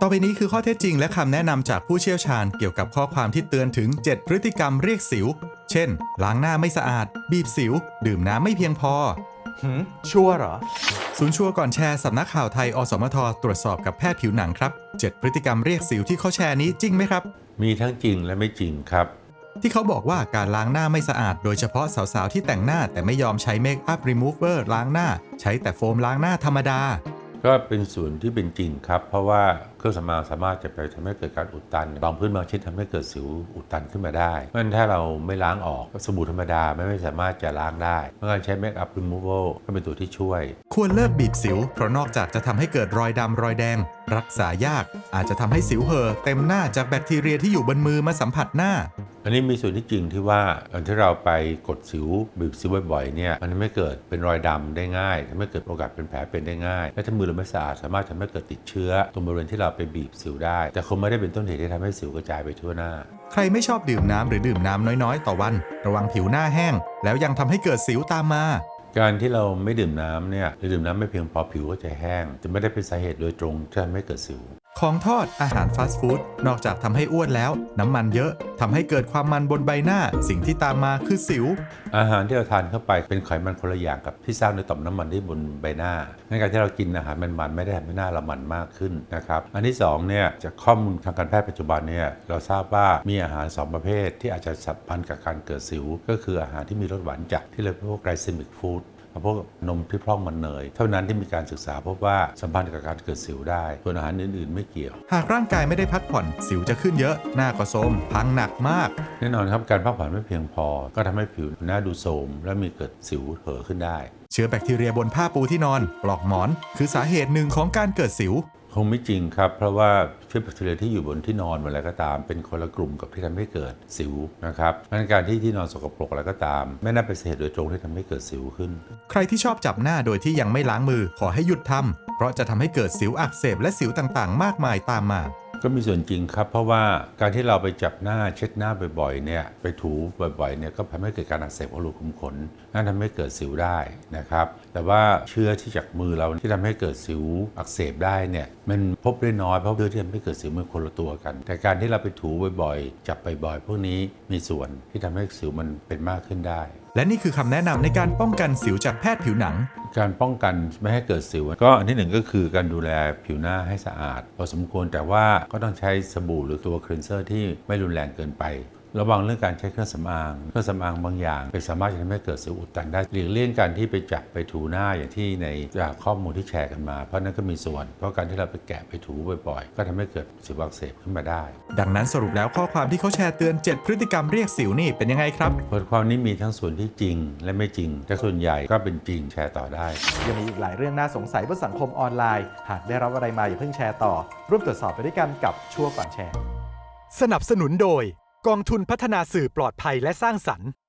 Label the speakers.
Speaker 1: ต่อไปนี้คือข้อเท็จจริงและคำแนะนำจากผู้เชี่ยวชาญเกี่ยวกับข้อความที่เตือนถึง 7 พฤติกรรมเรียกสิว เช่น ล้างหน้าไม่สะอาด บีบสิว ดื่มน้ำไม่เพียงพอ
Speaker 2: ชัวร์เหรอ
Speaker 1: ศูนย์ชัวร์ก่อนแชร์สำนักข่าวไทยอสมทตรวจสอบกับแพทย์ผิวหนังครับ 7 พฤติกรรมเรียกสิวที่เขาแชร์นี้จริงไหมครับ
Speaker 3: มีทั้งจริงและไม่จริงครับ
Speaker 1: ที่เขาบอกว่าการล้างหน้าไม่สะอาดโดยเฉพาะสาวๆที่แต่งหน้าแต่ไม่ยอมใช้เมคอัพรีมูเวอร์ล้างหน้าใช้แต่โฟมล้างหน้าธรรมดา
Speaker 3: ก็เป็นส่วนที่เป็นจริงครับเพราะว่าเครื่องสำอางสามารถจะไปทำให้เกิดการอุดตันบางพื้นบางชนิดทำให้เกิดสิวอุดตันขึ้นมาได้เพราะฉะนั้นถ้าเราไม่ล้างออกสบู่ธรรมดาไม่สามารถจะล้างได้เมื่อการใช้เมคอัพรีมูเวลก็เป็นตัวที่ช่วย
Speaker 1: ควรเลิกบีบสิวเพราะนอกจากจะทำให้เกิดรอยดำรอยแดงรักษายากอาจจะทำให้สิวเห่อเต็มหน้าจากแบคทีเรียที่อยู่บนมือมาสัมผัสหน้า
Speaker 3: อันนี้มีส่วนที่จริงที่ว่าตอนที่เราไปกดสิวบีบสิวบ่อยๆเนี่ยมันทำให้เกิดเป็นรอยดำได้ง่ายทำให้เกิดโอกาสเป็นแผลเป็นได้ง่ายและถ้ามือเราไม่สะอาดสามารถทำให้เกิดติดเชื้อตรงบริเวณที่เราไปบีบสิวได้แต่คงไม่ได้เป็นต้นเหตุที่ทำให้สิวกระจายไปทั่วหน้า
Speaker 1: ใครไม่ชอบดื่มน้ำหรือดื่มน้ำน้อยๆต่อวันระวังผิวหน้าแห้งแล้วยังทำให้เกิดสิวตามมา
Speaker 3: การที่เราไม่ดื่มน้ำเนี่ยหรือดื่มน้ำไม่เพียงพอผิวก็จะแห้งจะไม่ได้เป็นสาเหตุโดยตรงที่ทำให้เกิดสิว
Speaker 1: ของทอดอาหารฟาสต์ฟู้ดนอกจากทำให้อ้วนแล้วน้ำมันเยอะทำให้เกิดความมันบนใบหน้าสิ่งที่ตามมาคือสิว
Speaker 3: อาหารที่เราทานเข้าไปเป็นไขมันคนละอย่างกับที่สร้างในต่อมน้ำมันที่บนใบหน้าในการที่เรากินอาหารมันไม่ได้ทำให้หน้าเรามันมากขึ้นนะครับอันที่2เนี่ยจากข้อมูลทางการแพทย์ปัจจุบันเนี่ยเราทราบว่ามีอาหาร2ประเภทที่อาจจะสัมพันธ์กับการเกิดสิวก็คืออาหารที่มีรสหวานจัดที่เรียกว่าไกลเซมิกฟู้ดพวกนมที่พร่องมันเนยเท่านั้นที่มีการศึกษาพบว่าสัมพันธ์กับการเกิดสิวได้ส่วนอาหารอื่นๆไม่เกี่ยว
Speaker 1: หากร่างกายไม่ได้พักผ่อนสิวจะขึ้นเยอะหน้าก็โทรมพังหนักมาก
Speaker 3: แน่นอนครับการพักผ่อนไม่เพียงพอก็ทำให้ผิวหน้าดูโทรมและมีเกิดสิวเห่อขึ้นได้
Speaker 1: เชื้อแบคทีเรียบนผ้าปูที่นอนปลอกหมอนคือสาเหตุหนึ่งของการเกิดสิว
Speaker 3: คงไม่จริงครับเพราะว่าเชื้อแบคทีเรียที่อยู่บนที่นอนอะไรก็ตามเป็นคนละกลุ่มกับที่ทำให้เกิดสิวนะครับดังนั้นการที่นอนสกปรกอะไรก็ตามไม่น่าเป็นสาเหตุโดยตรงที่ทำให้เกิดสิวขึ้น
Speaker 1: ใครที่ชอบจับหน้าโดยที่ยังไม่ล้างมือขอให้หยุดทำเพราะจะทำให้เกิดสิวอักเสบและสิวต่างๆมากมายตามมา
Speaker 3: ก็มีส่วนจริงครับเพราะว่าการที่เราไปจับหน้าเช็ดหน้าบ่อยๆเนี่ยไปถูบ่อยๆเนี่ยก็ทำให้เกิดการอักเสบของรูขุมขนนั่นทำให้เกิดสิวได้นะครับแต่ว่าเชื้อที่จากมือเราที่ทำให้เกิดสิวอักเสบได้เนี่ยมันพบได้น้อยเพราะเชื้อที่ทำให้เกิดสิวมันคนละตัวกันแต่การที่เราไปถูบ่อยๆจับบ่อยๆพวกนี้มีส่วนที่ทำให้สิวมันเป็นมากขึ้นได้
Speaker 1: และนี่คือคำแนะนำในการป้องกันสิวจากแพทย์ผิวหนัง
Speaker 3: การป้องกันไม่ให้เกิดสิวก็อันที่1ก็คือการดูแลผิวหน้าให้สะอาดพอสมควรแต่ว่าก็ต้องใช้สบู่หรือตัวคลีนเซอร์ที่ไม่รุนแรงเกินไประวังเรื่องการใช้เครื่องสำอางบางอย่างไปสามารถจะทำให้เกิดสิวอุดตันได้หลีกเลี่ยงการที่ไปจับไปถูหน้าอย่างที่ในจากข้อมูลที่แชร์กันมาเพราะนั้นก็มีส่วนเพราะการที่เราไปแกะไปถูบ่อยๆก็ทำให้เกิดสิวอักเสบขึ้นมาได้
Speaker 1: ดังนั้นสรุปแล้วข้อความที่เขาแชร์เตือน7พฤติกรรมเรียกสิวนี่เป็นยังไงครับ
Speaker 3: บทความนี้มีทั้งส่วนที่จริงและไม่จริงแต่ส่วนใหญ่ก็เป็นจริงแชร์ต่อได้
Speaker 2: ยังมีอีกหลายเรื่องน่าสงสัยบนสังคมออนไลน์หากได้รับอะไรมาอย่าเพิ่งแชร์ต่อร่วมตรวจสอบไปด้วยกันกับชัวร์ก่อนแชร์
Speaker 1: สนับสนุนโดยกองทุนพัฒนาสื่อปลอดภัยและสร้างสรรค์